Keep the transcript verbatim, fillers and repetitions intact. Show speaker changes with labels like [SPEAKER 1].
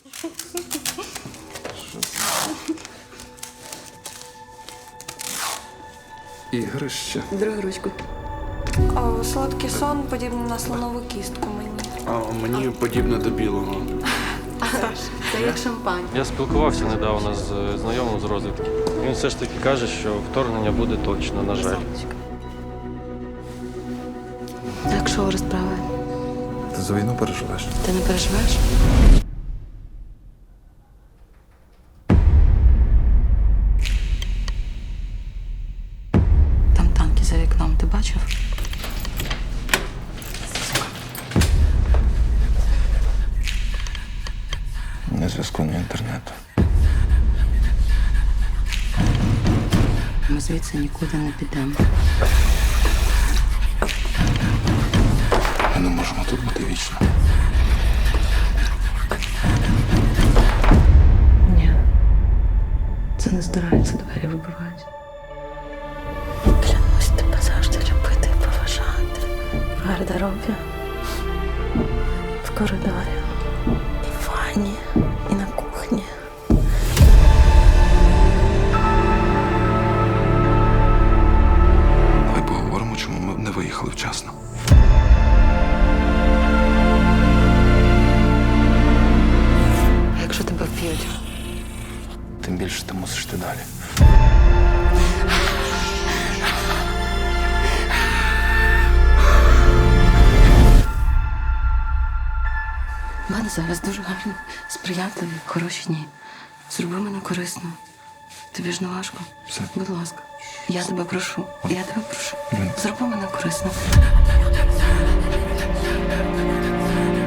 [SPEAKER 1] Ігрище.
[SPEAKER 2] Другу ручку.
[SPEAKER 3] О, солодкий сон подібний на слонову кістку мені.
[SPEAKER 1] А мені подібне до білого.
[SPEAKER 2] Це як шампань.
[SPEAKER 4] Я спілкувався недавно з знайомим з розвідки. Він все ж таки каже, що вторгнення буде точно, на жаль.
[SPEAKER 2] Так, що розправи?
[SPEAKER 1] Ти за війну переживеш?
[SPEAKER 2] Ти не переживаєш? Там танки за вікном, ти бачив?
[SPEAKER 1] Ні зв'язку, ні інтернету.
[SPEAKER 2] Ми звідси нікуди не підемо.
[SPEAKER 1] Ми не можемо тут бути вічно.
[SPEAKER 2] Ні. Це не здирається, двері вибивають. Клянусь тебе завжди любити і поважати. В гардеробі, в коридорі, і в ванні, і на кухні.
[SPEAKER 1] Давай поговоримо, чому ми не виїхали вчасно.
[SPEAKER 2] А якщо тебе вб'ють?
[SPEAKER 1] Тим більше ти мусиш йти далі.
[SPEAKER 2] У мене зараз дуже гарні, сприятливі, хороші дні. Зроби мене корисно. Тобі ж не важко.
[SPEAKER 1] Все.
[SPEAKER 2] Будь ласка. Я тебе прошу. Я тебе прошу.
[SPEAKER 1] Блін.
[SPEAKER 2] Зроби мене корисно.